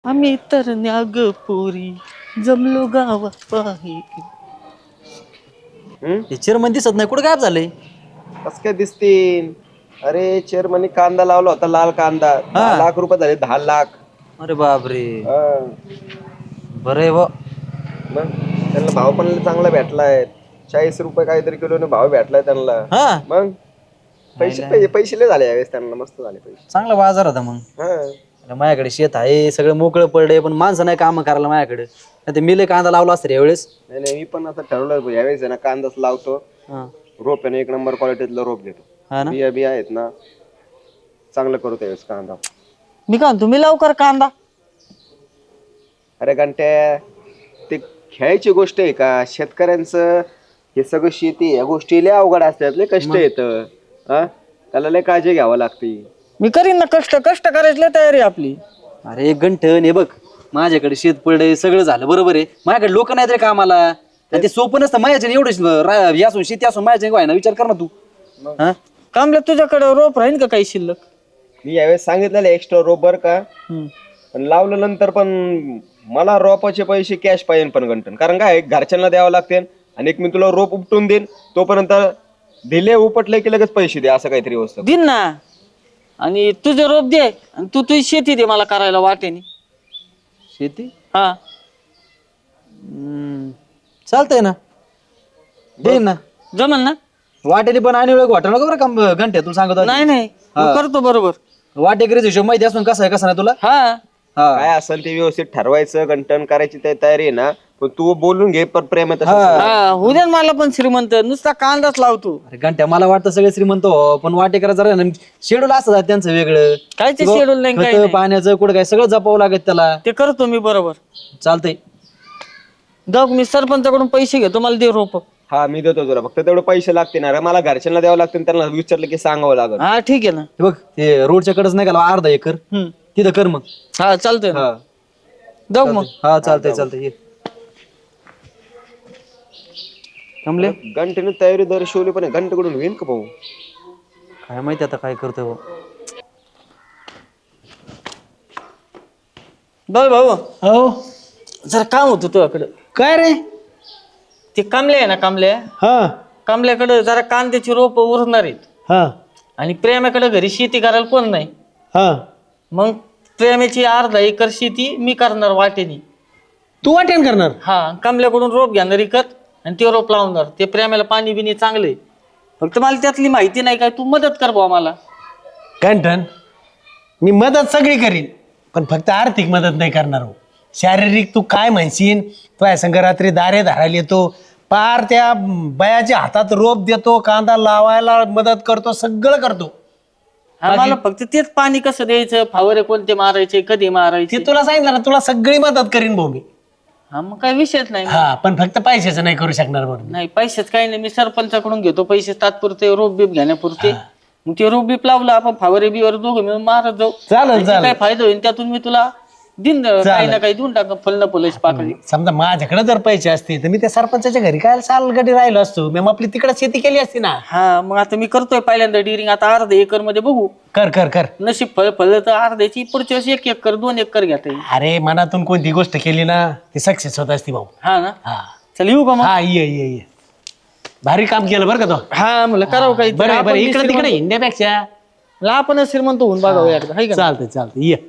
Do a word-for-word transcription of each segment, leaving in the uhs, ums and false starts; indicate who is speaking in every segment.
Speaker 1: आम्ही तर न्याग पोरी जमलो गावात पाही.
Speaker 2: चेअरमन दिसत नाही, कुठं गायब झालंय?
Speaker 3: कस काय दिसतील? अरे चेअरमनी कांदा लावला होता, लाल कांदा. दहा
Speaker 2: हा.
Speaker 3: लाख रुपये झाले, दहा लाख.
Speaker 2: अरे बापरे,
Speaker 3: हा.
Speaker 2: बरं आहे बा.
Speaker 3: मग त्यांना भाव पण चांगला भेटलाय. चाळीस रुपये काहीतरी किलोने भाव भेटलाय त्यांना.
Speaker 2: हा.
Speaker 3: मग पैसे पैसे पैसे लय झाले यावेळेस त्यांना, मस्त झाले पैसे.
Speaker 2: चांगला बाजार होता मग.
Speaker 3: हा.
Speaker 2: अरे माझ्याकडे शेत आहे, सगळं मोकळं पडलंय, पण माणसं नाही काम करायला माझ्याकडे. नाही ते मिले कांदा लावला असतं यावेळेस.
Speaker 3: नाही नाही, मी पण आता ठरवलं यावेळेस आहे ना कांदाच लावतो.
Speaker 2: हा.
Speaker 3: रोप आहे ना एक नंबर क्वालिटीतलं रोप घेतो.
Speaker 2: हा ना.
Speaker 3: बिया बिया आहेत ना, चांगलं करू त्यावेळेस कांदा.
Speaker 1: मी का तुम्ही लवकर कांदा.
Speaker 3: अरे घंट्या, ते खेळायची गोष्ट आहे का? शेतकऱ्यांचं हे सगळं शेती या गोष्टी लय अवघड असतात, लय कष्ट येतं. हा, त्याला लय काळजी घ्यावं लागते.
Speaker 1: मी करीन ना कष्ट, कष्ट करायची लय तयारी आपली.
Speaker 2: अरे एक गंठन हे बघ, माझ्याकडे शेत पडलंय, सगळं झालं बरोबर आहे. माझ्याकडे लोक नाहीत रे कामाला. आणि ते सोपं नसतं माझ्या एवढं यासून शेती असून माझ्या व्हाय ना, विचार कर ना तू. हा.
Speaker 1: कामल्या तुझ्याकडे रोप राहीन का काही शिल्लक?
Speaker 3: मी यावेळेस सांगितलेलं एक्स्ट्रा रोप बर का, पण लावलं नंतर पण मला रोपाचे पैसे कॅश पाहिजे पण गंटन. कारण काय घरच्यांना द्यावं लागते, आणि एक मी तुला रोप उपटून देईन, तोपर्यंत दिले उपटले की लगेच पैसे दे, असं काहीतरी वस्तू
Speaker 1: दिन ना. आणि तुझे रोप दे आणि तू तुझी शेती दे मला करायला वाटेनी.
Speaker 2: शेती
Speaker 1: हा
Speaker 2: चालतंय ना, देईन ना.
Speaker 1: जमल ना.
Speaker 2: वाटेली पण आणि वेळ वाटलं नको बरं काम घंटे, तुला सांगतो.
Speaker 1: नाही नाही, मी करतो बरोबर.
Speaker 2: वाटेकरीच हिशोब माहिती असून कसं आहे कसं नाही तुला.
Speaker 1: हा
Speaker 2: हा.
Speaker 3: काय असेल ते व्यवस्थित ठरवायचं. गंटन करायची ते तयारी आहे ना, पण तू बोलून घे पण प्रेमात.
Speaker 1: हा, उद्या मला पण श्रीमंत नुसता कांदाच लावतो.
Speaker 2: अरे घंट्या, मला वाटतं सगळे श्रीमंत हो, पण वाटेकरा जरा शेड्यूल असतं त्यांचं वेगळं.
Speaker 1: काय ते शेड्यूल नाही काय
Speaker 2: खतं,
Speaker 1: नाही.
Speaker 2: पाण्याचं कुठं काय सगळं जपावं लागत त्याला.
Speaker 1: ते करतो मी बरोबर.
Speaker 2: चालतंय.
Speaker 1: जाऊ मी सरपंचाकडून पैसे घेतो, मला दे रोप.
Speaker 3: हा मी देतो तुला, फक्त तेवढे पैसे लागते ना रे. मला घरच्यांना द्यावं लागतं, त्यांना विचारलं की सांगावं लागत.
Speaker 1: हा ठीक आहे ना.
Speaker 2: हे बघ, ते रोडच्या कडेच नाही का अर्धा एकर,
Speaker 1: हम्म.
Speaker 2: तिथं कर मग.
Speaker 1: हा चालतंय ना.
Speaker 3: हा
Speaker 1: जाऊ मग.
Speaker 2: हा चालतंय चालतंय ये. कमले
Speaker 3: घंटेने तयारी दर्शवली, पण घंटेकडून होईल का भाऊ?
Speaker 2: काय माहिती आता काय करतोय भाऊ.
Speaker 1: बघ भाऊ,
Speaker 4: हो.
Speaker 1: जरा काम होतं तुझ्याकडं.
Speaker 4: काय रे?
Speaker 1: ते कामले आहे ना, कामले
Speaker 4: हा
Speaker 1: कामल्याकडे जरा कांद्याची रोप उरणार आहेत.
Speaker 4: हा
Speaker 1: आणि प्रेमाकडे घरी शेती करायला कोण नाही.
Speaker 4: हा.
Speaker 1: मग प्रेमाची अर्धा एकर शेती मी करणार वाटेनी.
Speaker 4: तू वाटेन करणार?
Speaker 1: हा, कमल्याकडून रोप घेणार विकत आणि ते रोप लावणार. ते प्रेमाला पाणी बिनी चांगले. फक्त मला त्यातली माहिती नाही, काय तू मदत कर बुवा मला.
Speaker 4: कंठन, मी मदत सगळी करीन, पण फक्त आर्थिक मदत नाही करणार हो. शारीरिक तू काय म्हणशील, तो संघ रात्री दारे धरायला येतो, पार त्या बयाच्या हातात रोप देतो, कांदा लावायला मदत करतो, सगळं करतो.
Speaker 1: हा, मला फक्त तेच पाणी कसं द्यायचं, फावरे कोणते मारायचे, कधी मारायचे.
Speaker 4: ते तुला सांगितलं ना, तुला सगळी मदत करीन भाऊ मी.
Speaker 1: हा, मग काही विषयच नाही.
Speaker 4: हा, पण फक्त पैशाचं नाही करू शकणार बरोबर.
Speaker 1: नाही पैसेच काही नाही, मी सरपंचाकडून घेतो पैसे तात्पुरते रोप बीप घेण्यापुरते. मग ते रोप बीप लावलं आपण फावरे बिवर दोघं मिळून मारत जाऊ.
Speaker 4: चालेल चालेल.
Speaker 1: काय फायदा होईल त्यातून मी तुला दिन काही ना काही देऊन टाक, फल न फुलाची पाकळी.
Speaker 4: समजा माझ्याकडे जर पैसे असते तर मी त्या सरपंचाच्या घरी काय सालगडी राहिलो असतो, मी आपली तिकडे शेती केली असती ना.
Speaker 1: हा, मग आता मी करतोय पहिल्यांदा डिरिंग, आता अर्धा एकर मध्ये बघू.
Speaker 4: कर कर कर.
Speaker 1: नशीब फळ फळलं तर अर्ध्याची, पुढच्या वेळेस एक एकर दोन एकर घेता येईल.
Speaker 4: अरे मनातून कोणती गोष्ट केली ना ती सक्सेस होत असती भाऊ.
Speaker 1: हा ना.
Speaker 4: हा
Speaker 1: चल येऊ का मग.
Speaker 4: हा ये ये ये. भारी काम केलं बरं का तो.
Speaker 1: हा, म्हणलं करावं काही.
Speaker 4: बरं बरं, इकडे तिकडे हिंड्यापेक्षा
Speaker 1: आपण श्रीमंत होऊन बघावं एकदा, हाय का.
Speaker 4: चालतंय चालतंय ये.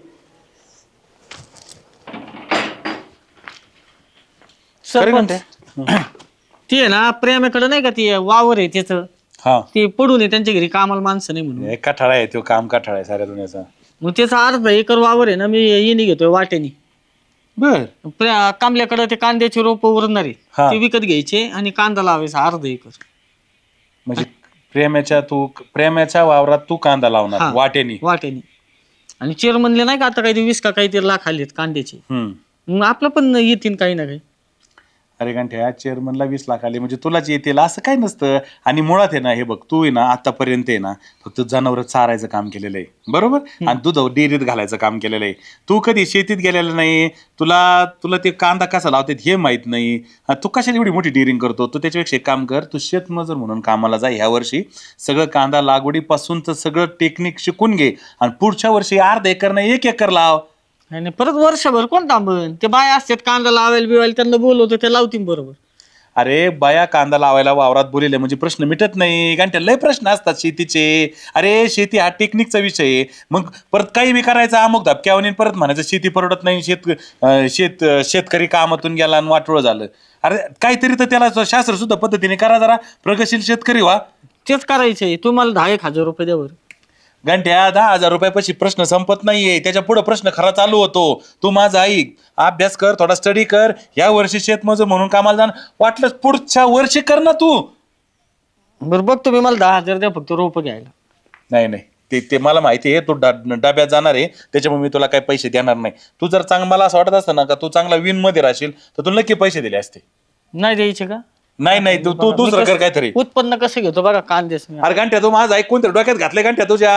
Speaker 1: सरपंच ते आहे ना, प्रेमाकडे नाही का ते वावर आहे त्याचं,
Speaker 5: हा
Speaker 1: ते पडून आहे त्यांच्या घरी कामाला माणसं नाही म्हणून.
Speaker 5: एक कठाळा आहे तो, काम कठाळा आहे साऱ्या दुनियाचा.
Speaker 1: मग त्याचा अर्धा एकर वावर आहे ना, मी येणे घेतोय वाटेनी.
Speaker 5: बर
Speaker 1: कांबल्याकडे ते कांद्याचे रोप उरणारे
Speaker 5: हा.
Speaker 1: ते विकत घ्यायचे आणि कांदा लावायचा अर्धा एकर.
Speaker 5: म्हणजे प्रेमाच्या तू प्रेमाच्या वावरात तू कांदा लावणार
Speaker 1: हा.
Speaker 5: वाटेनी.
Speaker 1: वाटेनी. आणि चेअरमनले नाही का आता काही वीस का काहीतरी लाख आलेत कांद्याचे,
Speaker 5: हम्म
Speaker 1: मग आपलं पण येतील काही ना काही.
Speaker 5: अरे घंट्या, चेअरमनला वीस लाख आले म्हणजे तुलाच येतील असं काय नसतं. आणि मुळात आहे ना, हे बघ तू आहे ना आतापर्यंत आहे ना फक्त जनावर चारायचं काम केलेलं आहे बरोबर, आणि दूध डेअरीत घालायचं काम केलेलं आहे. तू कधी शेतीत गेलेलं नाही, तुला तुला ते कांदा कसा लावतात हे माहित नाही. तू कशाला एवढी मोठी डेअरिंग करतो? तू त्याच्यापेक्षा एक काम कर, तू शेतमजूर म्हणून कामाला जा ह्या वर्षी. सगळं कांदा लागवडीपासून तर सगळं टेक्निक शिकून घे, आणि पुढच्या वर्षी अर्धा एकर नाही एक एकर लाव.
Speaker 1: नाही नाही, परत वर्षभर कोण थांबन? ते बाय असतात कांदा लावायला बिवायला, त्यांना बोलवतो ते लावतील बरोबर.
Speaker 5: अरे बाया कांदा लावायला वावरात बोलिले म्हणजे प्रश्न मिटत नाही. घंट्या लय प्रश्न असतात शेतीचे. अरे शेती हा टेक्निकचा विषय आहे. मग परत काही बी करायचा अमुक धपक्यावर परत म्हणायचं शेती परवडत नाही, शेत अं, शेत शेतकरी कामातून गेला आणि वाटोळं झालं. अरे काहीतरी तर त्याला शास्त्र सुद्धा पद्धतीने करा, जरा प्रगतशील शेतकरी व्हा.
Speaker 1: तेच करायचंय. तुम्हाला दहा एक हजार रुपये द्यावर.
Speaker 5: घंट्या दहा हजार रुपयापाशी प्रश्न संपत नाहीये, त्याच्या पुढे प्रश्न खरा चालू होतो. तू माझा ऐक, अभ्यास कर, थोडा स्टडी कर. या वर्षी शेतमजूर म्हणून कामाला जाण, वाटलं पुढच्या वर्षी कर ना तू.
Speaker 1: बरं बघ, तुम्ही मला दहा हजार द्या फक्त रोप घ्यायला.
Speaker 5: नाही नाही, ते ते मला माहिती आहे, तू डा- डब्यात जाणार आहे, त्याच्यामुळे मी तुला काही पैसे देणार नाही. तू जर चांग मला असं वाटत असतं ना का तू चांगला विन मध्ये राहशील तर तुला नक्की पैसे दिले असते.
Speaker 1: नाही द्यायचे का?
Speaker 5: नाही नाही, तू तू दुसरं कर काहीतरी.
Speaker 1: उत्पन्न कसं घेतो बघा कांदेच मी.
Speaker 5: अरे घंट्या तू माझा ऐक, कोणत्या डोक्यात घातले घंट्या तुझ्या?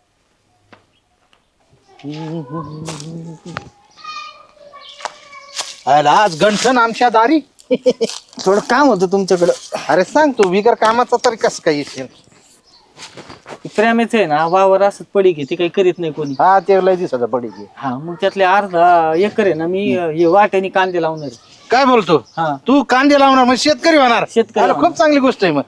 Speaker 6: आज गंठन आमच्या दारी.
Speaker 1: थोडं काम होतं तुमच्याकडं.
Speaker 6: अरे सांग तू बिगर कामाचा तरी कसं काय येशील?
Speaker 1: प्रेमाच आहे ना, वावर असत पडी घेते काही करीत नाही कोणी.
Speaker 6: हा ते लय दिसत पडी की.
Speaker 1: हा मग त्यातले अर्धा एकर आहे ना मी अं, हे वाट्याने कांदे लावणार आहे.
Speaker 6: काय बोलतो
Speaker 1: हा
Speaker 6: तू? कांदे लावणार मग शेतकरी होणार?
Speaker 1: शेतकरी
Speaker 6: अरे,
Speaker 1: होणार.
Speaker 6: खूप चांगली गोष्ट आहे.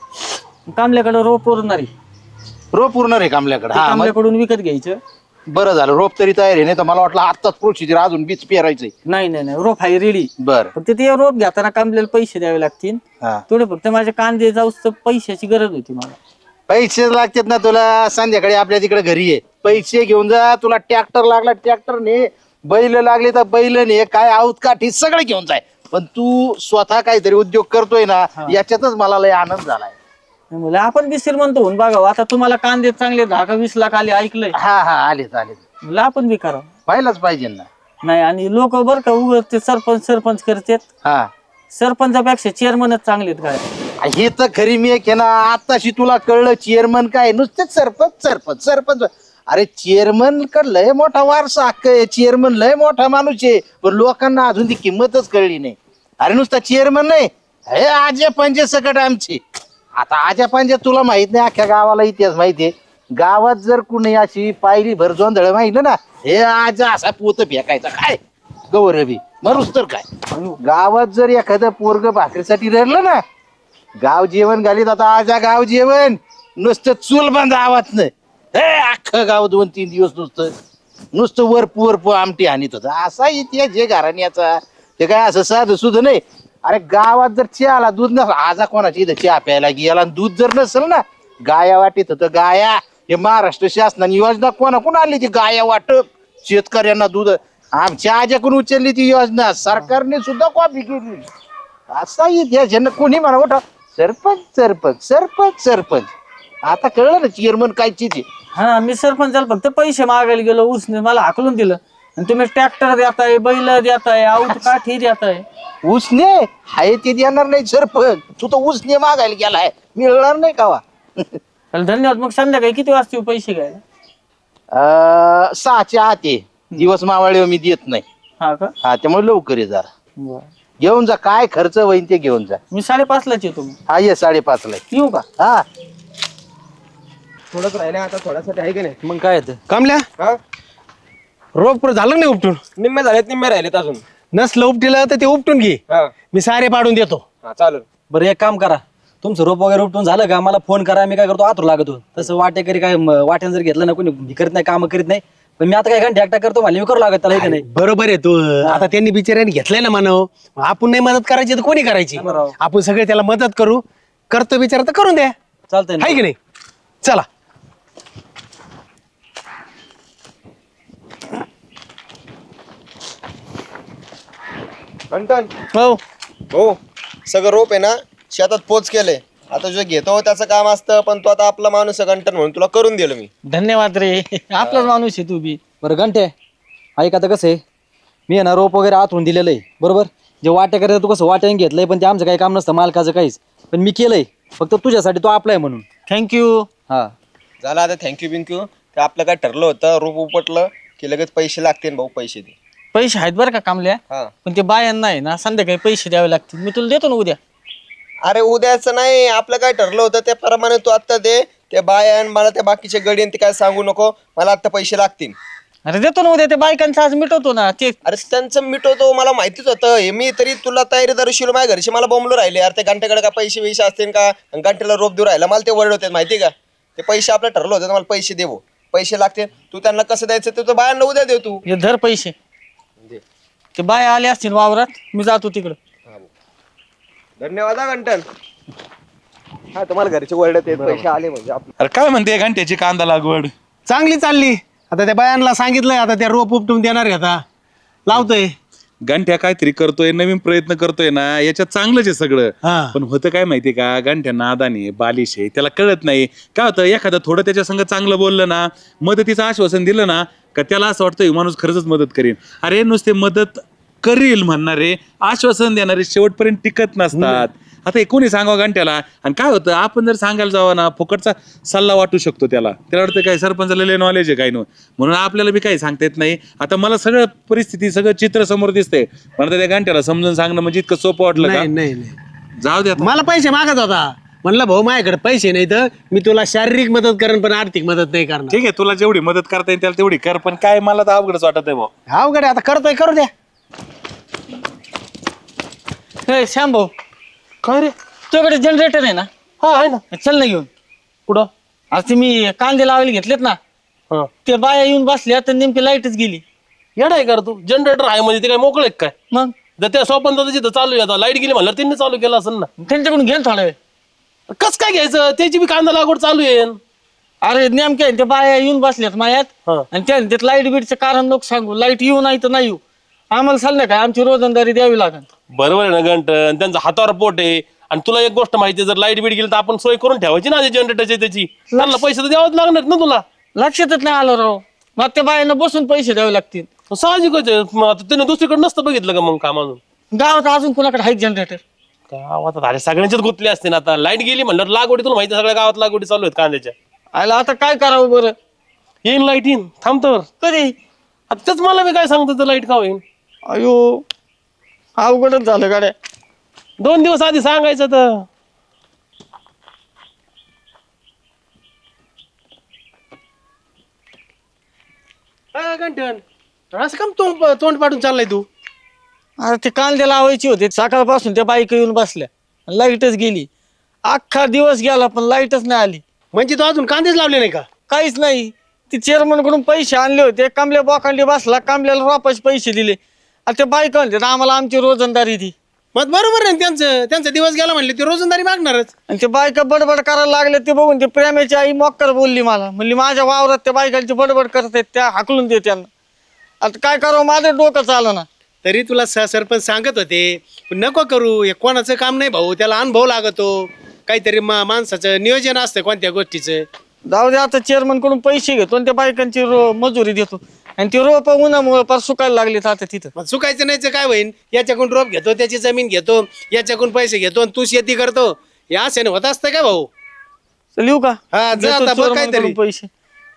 Speaker 6: मग
Speaker 1: कामल्याकडे रोप उरणार आहे.
Speaker 6: रोप पूर्ण रे कामल्याकडे.
Speaker 1: ते
Speaker 6: हा मग
Speaker 1: कामल्याकडून विकत घ्यायचं.
Speaker 6: बरं झालं, रोप तरी तयार आहे. नाही तर मला वाटलं आत्ताच प्रोसिजर अजून बीज पेरायचंय.
Speaker 1: नाही नाही नाही, रोप आहे रेडी.
Speaker 6: बर
Speaker 1: फक्त ते रोप घेताना कामल्याला पैसे द्यावे लागतील
Speaker 6: हा
Speaker 1: थोडे. फक्त माझे कांदे जाऊस तर पैशाची गरज होती मला.
Speaker 6: पैसे लागतात ना तुला? संध्याकाळी आपल्या तिकडे घरी आहे, पैसे घेऊन जा. तुला ट्रॅक्टर लागला ट्रॅक्टर ने, बैल लागले तर बैल ने, काय आऊत काठी सगळे घेऊन जाय. पण तू स्वतः काहीतरी उद्योग करतोय ना, याच्यातच मला लय आनंद झालाय.
Speaker 1: म्हणलं आपण बी श्रीमंत होऊन बघा. आता तुम्हाला कांदे चांगले दहा का वीस लाख आले ऐकलंय.
Speaker 6: हा हा आलेच आलेच,
Speaker 1: म्हणलं आपण बी करा.
Speaker 6: पाहिलंच पाहिजे ना.
Speaker 1: नाही आणि लोक बरं का उगत ते सरपंच सरपंच करतात.
Speaker 6: हा
Speaker 1: सरपंचापेक्षा चेअरमनच चांगले आहेत काय.
Speaker 6: हे तर खरी मी एक आहे ना, आताशी तुला कळलं चेअरमन काय नुसतेच सरपंच सरपंच सरपंच. अरे चेअरमन कडे लय मोठा वारसा हक्क आहे, चेअरमन लय मोठा माणूस आहे, पण लोकांना अजून ती किंमतच कळली नाही. अरे नुसता चेअरमन नाही, हे आजे पंजे सकट आमची. आता आजा पंजे तुला माहित नाही, अख्ख्या गावाला इतिहास माहितीये. गावात जर कुणी अशी पायरी भर जोंधळ माहिती ना, हे आजा असा पोत फेकायचा काय गौरवी मरुस तर काय. गावात जर एखादं पोरग भाकरीसाठी रडलं ना, गाव जेवण घालीत. आता आजा गाव जेवण नुसतं चूल बंद आवाज नाही, हे अख्खं गाव दोन तीन दिवस नुसतं नुसतं वरपू वरपू आमटी हानीत होतं. असा इतिहास जे घराण्याचा, ते काय असं साधं सुद्धा नाही. अरे गावात जर चहाला दूध नस, आजा कोणाची इथं चहा प्यायला गेला दूध जर नसेल ना, गाया वाटीत होतं गाया. हे महाराष्ट्र शासनाने योजना कोणा कोण आणली ती गाया वाटप शेतकऱ्यांना दूध. आमच्या आज्याकडून उचलली ती योजना, सरकारने सुद्धा कॉपी केली. असा इतिहास ज्यांना कोणी म्हणा मोठा सरपंच सरपंच सरपंच सरपंच. आता कळलं ना चेअरमन काय चीज.
Speaker 1: हा मी सरपंचाला फक्त पैसे मागायला गेलो, उसने मला हाकलून दिलं. आणि तुम्ही ट्रॅक्टर देताय, बैल देताय, आऊत काठी देताय.
Speaker 6: उसने हाय ते देणार नाही सरपंच. तू तर उसने मागायला गेलाय, मिळणार नाही कावा.
Speaker 1: चल धन्यवाद. मग संध्याकाळी किती वाजता येऊ पैसे घ्यायला?
Speaker 6: अं, सहाच्या आत ये. दिवस मावळे मी देत नाही.
Speaker 1: हा का?
Speaker 6: हा त्यामुळे लवकर ये जरा.
Speaker 1: बरं.
Speaker 6: घेऊन जा, काय खर्च होईन ते घेऊन जा.
Speaker 1: मी साडेपाचलाच येतो मग.
Speaker 6: हा ये साडेपाच ला
Speaker 1: येऊ का?
Speaker 6: हा.
Speaker 3: थोडंच राहिले आता, थोड्यासाठी आहे की नाही?
Speaker 2: मग काय येतं?
Speaker 4: कामल्या
Speaker 3: हा
Speaker 4: रोप झालं नाही उपटून?
Speaker 3: निम्मे झालेत, निम्मे राहिलेत अजून.
Speaker 4: नसलं उपटीला तर ते उपटून घे,
Speaker 3: हा
Speaker 4: मी सारे पाडून देतो.
Speaker 3: हा चालेल.
Speaker 2: बरं एक काम करा, तुमचं रोप वगैरे उपटून झालं का मला फोन करा. मी काय करतो आतुर लागतो. तसं वाटेकरी काय म- वाट्यानं जर घेतलं ना कोणी, मी करत नाही, काम करीत नाही. पण मी आता काय घंटे एकटा करतो, मला मी करू लागत त्याला इथे नाही.
Speaker 4: बरोबर आहे तू. आता त्यांनी बिचाऱ्याने घेतलंय ना मानव, आपण नाही मदत करायची तर कोणी करायची? आपण सगळे त्याला मदत करू. करतो बिचारा तर करून द्या,
Speaker 2: चालतंय
Speaker 4: आहे
Speaker 2: ना.
Speaker 4: की नाही? चला.
Speaker 3: कंटन
Speaker 1: हो
Speaker 3: हो, सगळं रोप आहे ना शेतात पोच केलंय. आता जो घेतो त्याचं काम असतं, पण तो आता आपला माणूस आहे कंटन म्हणून तुला करून दिलं मी.
Speaker 1: धन्यवाद रे. आपलाच माणूस आहे तू बी.
Speaker 2: बरं घंटे ऐक, आता कसं आहे, मी आहे ना रोप वगैरे आतून दिलेलं आहे बरोबर. जे वाट्या करायचं तू कसं वाट्याने घेतलंय, पण ते आमचं काही काम नसतं, मालकाचं काहीच. पण मी केलंय फक्त तुझ्यासाठी, तो आपला आहे म्हणून.
Speaker 1: थँक्यू.
Speaker 2: हा
Speaker 3: झालं आता, थँक्यू बिंक्यू. ते आपलं काय ठरलं होतं, रोप उपटलं की लगेच पैसे लागतील भाऊ, पैसे दे.
Speaker 1: पैसे आहेत बरं का कामल्या,
Speaker 3: हा
Speaker 1: पण ते बायांना आहे ना संध्याकाळी पैसे द्यावे लागतील. मी तुला देतो ना उद्या.
Speaker 3: अरे उद्याचं नाही, आपलं काय ठरलं होतं त्याप्रमाणे तू आत्ता दे. ते बाय आणि मला त्या बाकीचे गडी आणि ते काय सांगू नको, मला आत्ता पैसे लागतील.
Speaker 1: अरे देतो ना उद्या ते बायकांचं आज मिटवतो ना ते.
Speaker 3: अरे त्यांचं मिटवतो मला माहितीच होतं हे मी तरी तुला तयारी दर्शिलो माझ्या घरचे मला बोंबलो राहिले यार ते घंट्याकडे का पैसे वैसे असतील का आणि घंट्याला रोप देऊ राहिला मला ते वर्ड होते माहिती का ते पैसे आपलं ठरलं होतं मला पैसे देऊ पैसे लागते तू त्यांना कसं द्यायचं ते तो बायांना उद्या देव तू
Speaker 1: हे धर पैसे ते बाया आले असतील वावरात मी जातो तिकडं.
Speaker 3: धन्यवाद हा घंटन हा तुम्हाला घरचे वर्ड ते पैसे आले म्हणजे आपले
Speaker 5: अरे काय म्हणते घंट्याची कांदा लागवड?
Speaker 4: चांगली चालली. आता त्या बायांना सांगितलंय आता त्या रोप उपटून देणार आहे आता लावतोय.
Speaker 5: गंठ्या काहीतरी करतोय नवीन प्रयत्न करतोय ना याच्यात चांगलंच आहे सगळं.
Speaker 4: हा.
Speaker 5: पण होतं काय माहितीये का गंठ्या नादानी आहे, बालिश आहे त्याला कळत नाही काय होतं एखादं थोडं त्याच्या संग चांगलं बोललं ना मदतीचं आश्वासन दिलं ना का त्याला असं वाटतं माणूस खरंच मदत करेन. अरे नुसते मदत करील म्हणणारे आश्वासन देणारे शेवटपर्यंत टिकत नसतात. आता हे कोणी सांगावं घंट्याला आणि काय होतं आपण जर सांगायला जावं ना फुकटचा सल्ला वाटू शकतो त्याला त्याला वाटतं काय सरपंचाला लय नॉलेज आहे काय नो म्हणून आपल्याला बी काही सांगता येत नाही. आता मला सगळं परिस्थिती सगळं चित्र समोर दिसतंय पण आता त्या घंट्याला समजून सांगणं म्हणजे इतकं सोपं वाटलं
Speaker 4: नाही
Speaker 5: का?
Speaker 4: नाही नाही
Speaker 5: जाऊ दे आता.
Speaker 4: मला पैसे मागत होता म्हणलं भाऊ माझ्याकडे पैसे नाही तर मी तुला शारीरिक मदत करेन पण आर्थिक मदत नाही करणार.
Speaker 5: ठीक आहे तुला जेवढी मदत करता येईल त्याला तेवढी कर पण काय मला तर अवघडच वाटत आहे भाऊ.
Speaker 4: अवघड आहे, आता करतोय करू द्या.
Speaker 1: हे श्याम भाऊ
Speaker 4: काय रे?
Speaker 1: तुझ्याकडे जनरेटर आहे ना?
Speaker 4: हा आहे ना.
Speaker 1: चल ना घेऊन.
Speaker 4: कुठं?
Speaker 1: आज ते मी कांदे लावायला घेतलेत ना
Speaker 4: हा.
Speaker 1: ते बाया येऊन बसल्या तर नेमकी लाईटच गेली.
Speaker 7: येडा आहे कर तू जनरेटर आहे म्हणजे ते काय मोकळे काय
Speaker 1: मग
Speaker 7: जर त्या स्वपन जिथं चालू आहे आता लाईट गेली म्हणलं त्यांनी चालू केलं असेल ना
Speaker 1: त्यांच्याकडून घेऊन थोडा वेळ.
Speaker 7: कस काय घ्यायचं त्याची बी कांदा लागवड चालू आहे
Speaker 1: अरे नेमके ते बाया येऊन बसल्यात मायात
Speaker 7: हा.
Speaker 1: आणि त्या त्यात लाईट बीटचं कारण लोक सांगू लाईट येऊ नाही तर नाही येऊ आम्हाला चाललं काय आमची रोजंदारी द्यावी लागेल.
Speaker 7: बरोबर आहे ना गंटन त्यांचा हातावर पोट आहे आणि तुला एक गोष्ट माहिती आहे जर लाईट बीट गेली तर आपण सोय करून ठेवायची ना जनरेटरची त्याची त्यांना पैसे तर द्यावंच लागणार ना तुला
Speaker 1: लक्षातच नाही आलं राव मग त्या बायांना बसून पैसे द्यावे लागतील.
Speaker 7: साहजिकच आहे मग आता त्याने दुसरीकडे नसतं बघितलं का मग काम अजून
Speaker 1: गावात अजून कोणाकडे आहेत जनरेटर?
Speaker 7: गावात अरे सगळ्यांच्याच गुतले असते ना आता लाईट गेली म्हणलं लागवडी तुला माहिती आहे, सगळ्या गावात लागवडी चालू आहेत कांद्याच्या.
Speaker 1: आयला आता काय करावं बरं?
Speaker 7: येईन लाईट येईन थांबतो
Speaker 1: कधी?
Speaker 7: आता तेच मला मी काय सांगतो लाईट का होईन
Speaker 1: अयो अवघडच झालं गाड्या.
Speaker 7: दोन दिवस आधी सांगायचं तर
Speaker 4: घंटन असं काम तोंड तोंड पाडून चाललाय तू?
Speaker 1: अरे ते कांदे लावायचे होते सकाळपासून त्या बाईक येऊन बसल्या लाईटच गेली. अख्खा दिवस गेला पण लाईटच नाही आली.
Speaker 4: म्हणजे तू अजून कांदेच लावले नाही का?
Speaker 1: काहीच नाही. ती चेअरमन कडून पैसे आणले होते कांबल्या बोकांडी बसला कांबल्याला वापस पैसे दिले. आता ते बाईक म्हणते आम्हाला आमची रोजंदारी दी.
Speaker 4: मग बरोबर आहे ना त्यांचं त्यांचा दिवस गेला म्हणले ते रोजंदारी मागणारच.
Speaker 1: आणि ते बायका बडबड करायला लागले ते बघून ते प्रेमाची आई मॉक्कर बोलली मला म्हणली माझ्या वावरात त्या बायकांची बडबड करतात त्या हाकलून दे त्यांना. आता काय करावं माझं डोकं चालं ना.
Speaker 4: तरी तुला स- सरपंच सांगत होते पण नको करू हे कोणाचं काम नाही भाऊ त्याला अनुभव लागतो काहीतरी मा माणसाचं नियोजन असतं कोणत्या गोष्टीचं.
Speaker 1: जाऊ दे आता चेअरमन कडून पैसे घेतो आणि त्या बायकांची रो मजुरी देतो आणि ती रोप उन्हामुळे पार सुकायला लागली आता तिथं.
Speaker 4: मग चुकायचं नाहीच काय होईन याच्याकडून रोप घेतो त्याची जमीन घेतो याच्याकडून पैसे घेतो आणि तू शेती करतो या असे होत असतं काय भाऊ?
Speaker 1: चल येऊ का?
Speaker 4: हा, जा
Speaker 1: देतो
Speaker 4: आता बघ
Speaker 1: चेअरमन
Speaker 4: काहीतरी.
Speaker 1: कडून पैसे.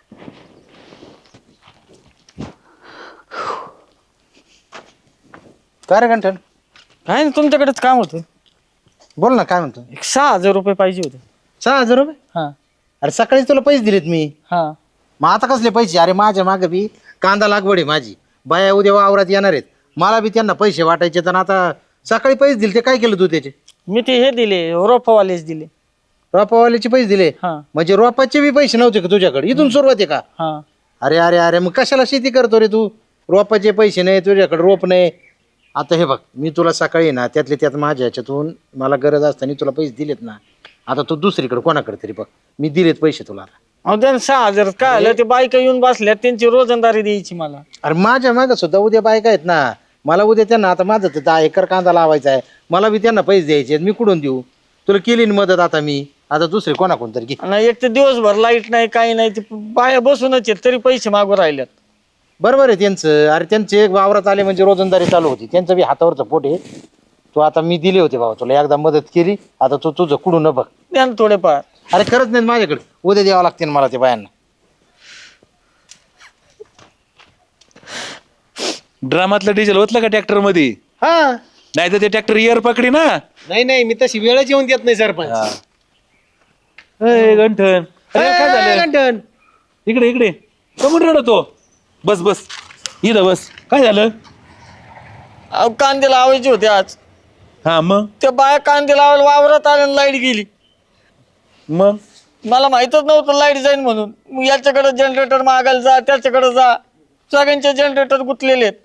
Speaker 6: काय रे गंठन
Speaker 1: काय नाही तुमच्याकडेच काम होतं.
Speaker 6: बोल ना काय म्हणतो.
Speaker 1: एक सहा हजार रुपये पाहिजे होते.
Speaker 6: सहा हजार रुपये
Speaker 1: हा
Speaker 6: अरे सकाळी तुला पैसे दिलेत मी
Speaker 1: हा
Speaker 6: मग आता कसले पैसे अरे माझ्या मागे बी कांदा लागवड आहे माझी बाया उद्या वावरात येणार आहेत मला बी त्यांना पैसे वाटायचे तर आता सकाळी पैसे दिले ते काय केलं तू त्याचे
Speaker 1: मी ते हे दिले रोपवालेच दिले.
Speaker 6: रोपावाल्याचे पैसे दिले
Speaker 1: हा
Speaker 6: म्हणजे रोपाचे बी पैसे नव्हते का तुझ्याकडे इथून सुरुवात आहे का
Speaker 1: हा
Speaker 6: अरे अरे अरे मग कशाला शेती करतो रे तू रोपाचे पैसे नाही तुझ्याकडे रोप नाही आता हे बघ मी तुला सकाळी ना त्यातले त्यात माझ्या ह्याच्यातून मला गरज असताना तुला पैसे दिलेत ना आता तू दुसरीकडे कोणाकडे तरी बघ मी दिलेत पैसे तुला
Speaker 1: अहो द्या ना सहा हजार काय आलं ते बायका येऊन बसल्या त्यांची रोजंदारी द्यायची मला.
Speaker 6: अरे माझ्या मागं सुद्धा उद्या बायका आहेत ना मला उद्या त्यांना आता माझं तर दहा एकर कांदा लावायचा आहे मला बी त्यांना पैसे द्यायचे आहेत मी कुठून देऊ तुला केली ना मदत आता मी आता दुसरे कोणाकोण तरी घे
Speaker 1: आणि एक तर दिवसभर लाईट नाही काही नाही ते बाया बसूनच आहेत तरी पैसे मागू राहिल्यात.
Speaker 6: बरोबर आहे त्यांचं अरे त्यांचे एक वावरात आले म्हणजे रोजंदारी चालू होती त्यांचं बी हातावरचं पोट आहे तू आता मी दिले होते बाबा तुला एकदा मदत केली आता तू तुझं कुठून न बघ
Speaker 1: द्या ना थोडेफार.
Speaker 6: अरे खरंच नाही माझ्याकडे उद्या द्यावं लागते मला ते बायांना
Speaker 5: ड्रामातलं डिझेल ओतलं का ट्रॅक्टर मध्ये
Speaker 4: हा
Speaker 5: नाही तर ते ट्रॅक्टर इयर पकडी ना.
Speaker 4: नाही नाही मी तशी वेळच येऊन देत नाही सरपंच.
Speaker 5: अय, गंठन अरे काय
Speaker 4: ए,
Speaker 5: झालं
Speaker 4: गंठन
Speaker 5: इकडे इकडे कमून रडतो बस बस इथं बस. काय झालं?
Speaker 1: अहो कांदे लावायचे होते आज.
Speaker 5: हा मग
Speaker 1: त्या बाया कांदे लावायला वावरात आल्या लाईट गेली.
Speaker 5: मग
Speaker 1: मला माहितच नव्हतं लाईट जाईल म्हणून. मग याच्याकडे जनरेटर मागायला जा, त्याच्याकडे जा, सगळ्यांचे जनरेटर गुंतलेले आहेत.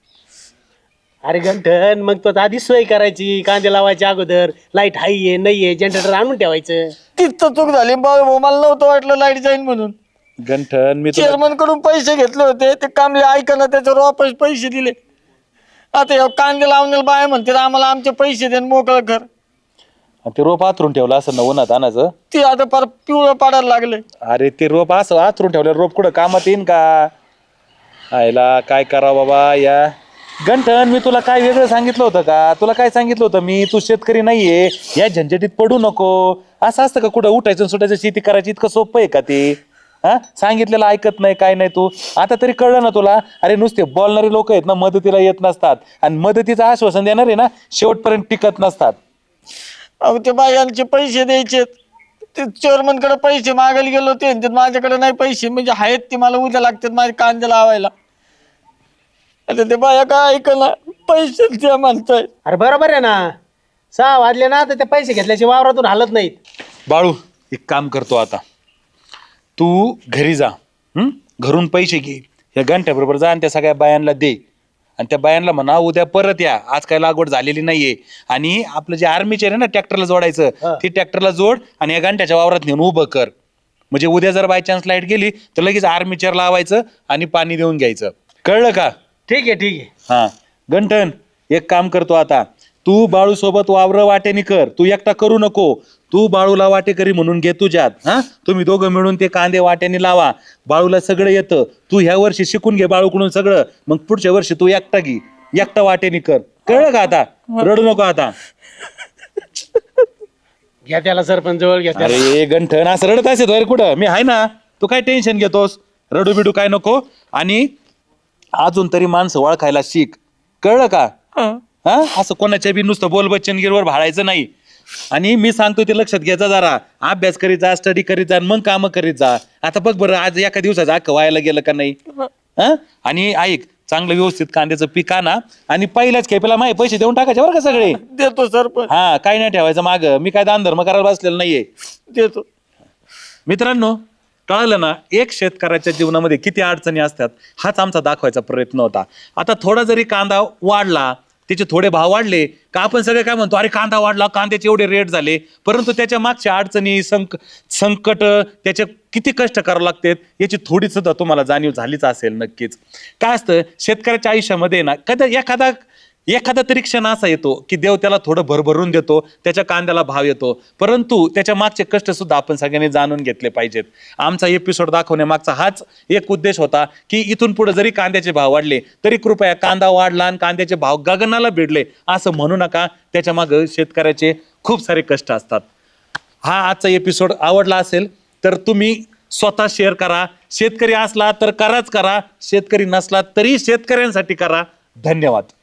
Speaker 4: अरे गंठन मग तो आधी सोय करायची, कांदे लावायच्या अगोदर लाईट हाय नाहीये जनरेटर आणून ठेवायचं.
Speaker 1: तिथं चूक झाली बाबा, मला नव्हतं वाटलं लाईट जाईल म्हणून.
Speaker 5: गंठन मी तुला
Speaker 1: चेअरमन कडून पैसे घेतले होते, ते कामले ऐकणं त्याच्यावर वापस पैसे दिले. आता ह्या कांदे लावण्याला बाया म्हणते आम्हाला आमचे पैसे दे मोकळं कर.
Speaker 5: ते रोप आतरून ठेवलं असं ना उन्हात आणायचं.
Speaker 1: ते आता फार पिवळं पाडायला लागले.
Speaker 5: अरे ते रोप असं आतरून ठेवलं रोप कुठं कामात येईन का? आयला काय करावं बाबा या. गंठन मी तुला काय वेगळं सांगितलं होतं का? तुला काय सांगितलं होतं मी, तू शेतकरी नाहीये, या झंझटीत पडू नको. असं असतं का कुठं उठायचं सुटायचं शेती करायची इतकं सोपं आहे का ते? हा सांगितलेलं ऐकत नाही काय नाही तू. आता तरी कळलं ना तुला? अरे नुसते बोलणारे लोक आहेत ना मदतीला येत नसतात, आणि मदतीचं आश्वासन देणारे ना शेवटपर्यंत टिकत नसतात.
Speaker 1: अहो ते बायांचे पैसे द्यायचे, ते चेअरमन कडे पैसे मागायला गेलो होते, ते माझ्याकडे नाही पैसे, म्हणजे आहेत ते मला उद्या लागतात माझे कांदे लावायला. आता ते बाया काय ऐकला, पैसे द्या म्हणताय.
Speaker 4: अरे बरोबर आहे ना, सहा वाजले ना तर ते पैसे घेतल्याचे वावरातून हालत नाहीत.
Speaker 5: बाळू एक काम करतो आता, तू घरी जा, हं? घरून पैसे घे, या घंट्याबरोबर जा आणि त्या सगळ्या बायांना दे, आणि त्या बायांना म्हणा उद्या परत या, आज काय लागवड झालेली नाहीये. आणि आपलं जे आर्मीचेर आहे ना ट्रॅक्टरला जोडायचं, ते ट्रॅक्टरला जोड आणि या घंट्याच्या वावरात नेऊन उभं कर. म्हणजे उद्या जर बाय चान्स लाईट गेली तर लगेच आर्मीचेर लावायचं आणि पाणी देऊन घ्यायचं. कळलं का?
Speaker 4: ठीक आहे ठीक आहे.
Speaker 5: हा गंठन एक काम करतो आता, तू बाळू सोबत वावर वाटेनी कर, तू एकटा करू नको. तू बाळूला वाटेकरी म्हणून घे तुझ्यात. हा तुम्ही दोघं मिळून ते कांदे वाट्याने लावा. बाळूला सगळं येतं, तू ह्या वर्षी शिकून घे बाळूकडून सगळं, मग पुढच्या वर्षी तू एकटा घे, एकटा वाटेनी कर. कळलं का आता? रडू नको आता.
Speaker 4: घ्या त्याला सरपंच जवळ घ्या त्याला.
Speaker 5: अरे गंठन असं रडत असेल अरे कुठं, मी आहे ना, तू काय टेन्शन घेतोस? रडू बिडू काय नको. आणि अजून तरी माणसं ओळखायला शिक. कळलं का? हा असं कोणाच्या बी नुसतं बोल बच्चनगिरीवर भाळायचं नाही. आणि मी सांगतो ते लक्षात घ्यायचा, जरा अभ्यास करीत जा, स्टडी करीत जा, मग काम करीत जा. आता बघ बरं आज एका दिवसाचं अख्खं व्हायला गेलं का नाही? हा आणि ऐक, चांगलं व्यवस्थित कांद्याचं पीक आणा आणि पहिल्याच खेपेला माझे पैसे देऊन टाकायचे बरं का सगळे.
Speaker 1: देतो सरपंच.
Speaker 5: हा काय नाही ठेवायचं माग, मी काय दान धर्म करायला बसलेलं नाहीये.
Speaker 1: देतो.
Speaker 5: मित्रांनो कळलं ना, एक शेतकऱ्याच्या जीवनामध्ये किती अडचणी असतात हाच आमचा दाखवायचा प्रयत्न होता. आता थोडा जरी कांदा वाढला, त्याचे थोडे भाव वाढले का आपण सगळे काय म्हणतो, अरे कांदा वाढला, कांद्याचे एवढे रेट झाले, परंतु त्याच्या मागच्या अडचणी, संक संकट, त्याचे किती कष्ट करावं लागतात याची थोडी सुद्धा तुम्हाला जाणीव झालीच असेल नक्कीच. काय असतं शेतकऱ्याच्या आयुष्यामध्ये ना, कधी एखादा एखादा तरी क्षण असा येतो की देव त्याला थोडं भरभरून देतो, त्याच्या कांद्याला भाव येतो, परंतु त्याच्या मागचे कष्ट सुद्धा आपण सगळ्यांनी जाणून घेतले पाहिजेत. आमचा एपिसोड दाखवण्यामागचा हाच एक उद्देश होता की इथून पुढे जरी कांद्याचे भाव वाढले तरी कृपया कांदा वाढला आणि कांद्याचे भाव गगनाला भिडले असं म्हणू नका. त्याच्या मागे शेतकऱ्याचे खूप सारे कष्ट असतात. हा आजचा एपिसोड आवडला असेल तर तुम्ही स्वतः शेअर करा. शेतकरी असला तर कराच करा, शेतकरी नसला तरी शेतकऱ्यांसाठी करा. धन्यवाद.